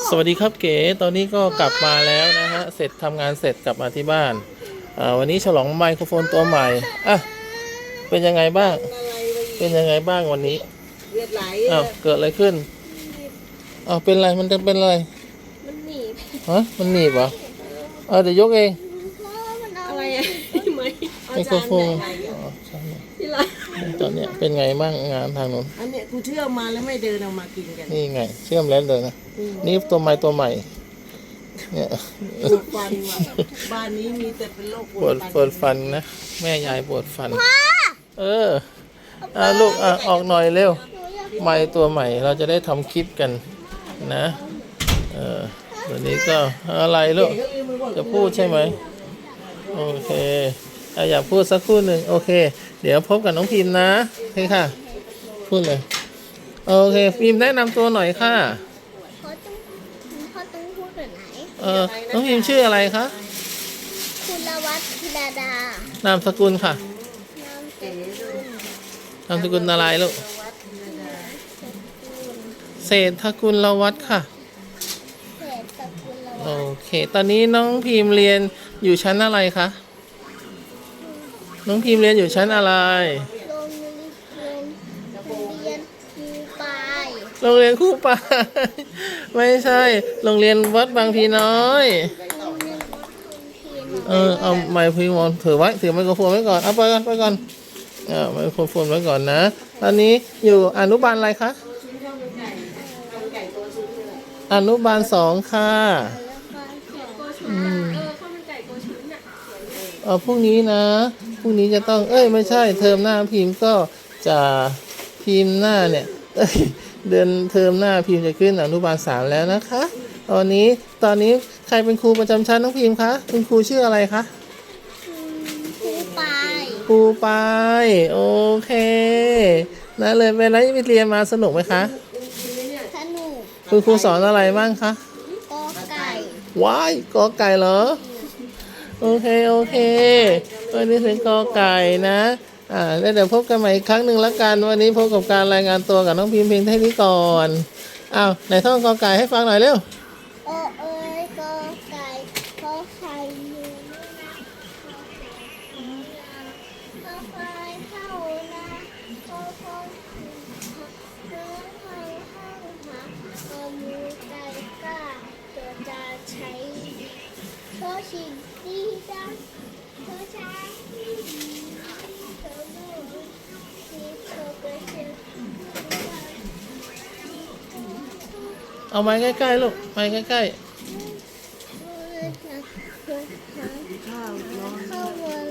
สวัสดีครับเก๋ตอนนี้ก็กลับมาแล้วนะฮะเสร็จทำงานเสร็จกลับมาที่บ้านวันนี้ฉลองไมโครโฟนตัวใหม่อ่ะเป็นยังไงบ้างเป็นยังไงบ้างวันนี้เลือดไหลเกิดอะไรขึ้นเป็นอะไรมันจะเป็นอะไรมันหนีบฮะมันหนีบเหรอเดี๋ยวยกเองอะไรไมโครโฟนที่ร้านตอนเนี้ยเป็นไงบ้างงานทางนู้นอันเนี้ยกูเชื่อมมาแล้วไม่เดินออกมากินกันนี่ไงเชื่อมแล้วเลยนะนี่ตัวใหม่เนี่ยปวดฟันว่ะบ้านนี้มีแต่เป็นโรคปวดฟันนะแม่ยายปวดฟันลูกออกหน่อยเร็วไมค์ตัวใหม่เราจะได้ทำคลิปกันนะตัวนี้ก็อะไรลูกจะพูดใช่ไหมโอเคอยากพูดสักครู่หนึ่งโอเคเดี๋ยวพบกับน้องพิมพ์นะโอเคค่ะพูดเลยโอเคพิมพ์แนะนำตัวหน่อยค่ะเขาต้องพูดแบบไหนน้องพิมพ์ชื่ออะไรคะคุณลวัฒน์ธิดาดานามสกุลค่ะนามสกุลอะไรลูกเศรษฐกุลวัฒน์ค่ะเศรษฐกุลวัฒน์โอเคตอนนี้น้องพิมพ์เรียนอยู่ชั้นอะไรคะน้องพิมพ์เรียนอยู่ชั้นอะไรโรงเรียนครูปายไม่ใช่โรงเรียนวัดบางพีน้อยเอาไมค์พิมพ์ถือไว้ถือไมโครโฟนไว้ก่อนเอาไปก่อนไมโครโฟนไว้ก่อนนะตอนนี้อยู่อนุบาลอะไรคะอนุบาล2ค่ะพรุ่งนี้นะพรุ่งนี้จะต้องไม่ใช่เทอมหน้าพิมพ์ก็จะพิมพ์หน้าเนี่ยเดือนเทอมหน้าพิมพ์จะขึ้นอนุบาล3แล้วนะคะตอนนี้ใครเป็นครูประจำชั้นน้องพิมพ์คะคุณครูชื่ออะไรคะครูปายโอเคนะเลยเวลาไปเรียนมาสนุกไหมคะสนุกคุณครูสอนอะไรบ้างคะกอไก่ว้ายกอไก่เหรอโอเควันนี้ถึงกอไก่นะแล้วเดี๋ยวพบกันใหม่อีกครั้งหนึ่งละกันวันนี้พบกับการรายงานตัวกับน้องพิมพ์เพียงเท่านี้ก่อนไหนท่องกอไก่ให้ฟังหน่อยเร็วกอไก่ขอไข่อยู่ขอไข่เข้านะขอไข่ขอมือไก่กล้าตัวจะใช้ขอชิงดีดังขอช้าเอาไม้ใกล้ๆลูกไม้ใกล้ๆข้าววัน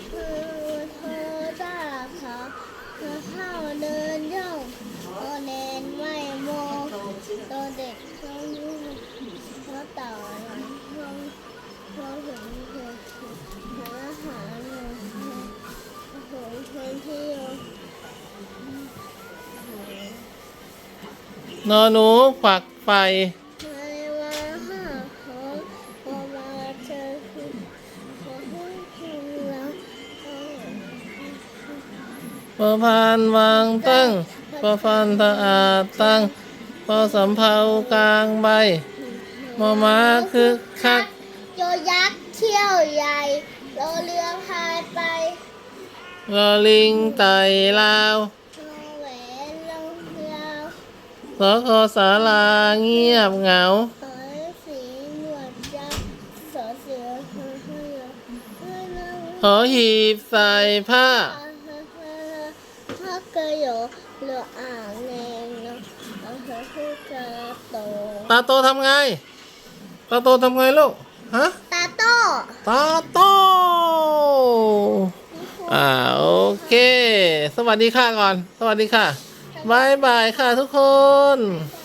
ตาขาข้าวเดินย่องตัวแนนไม่โมตัวเด็กเขายุ่งเขาต่อหลังเขาถึงหาอาหารคนที่นอนหนูฝักไฟประพันวางตั้งประพันตะอาตั้งพอสำเภากลางใบมอม้าคึกคักโยยักษ์เขี้ยวใหญ่โรเรือพายไปรอลิงไต่ลาวแหวนลงยาวสคศาลาเงียบเหงาสีหนวดยักษ์สอเสือหอหีบใส่ผ้าถ้าเกยเรืออ่างแนงนะคือตาโตทำไงตาโตทำไงลูกฮะตาโตโอเคสวัสดีค่ะก่อนสวัสดีค่ะบายบายค่ะทุกคน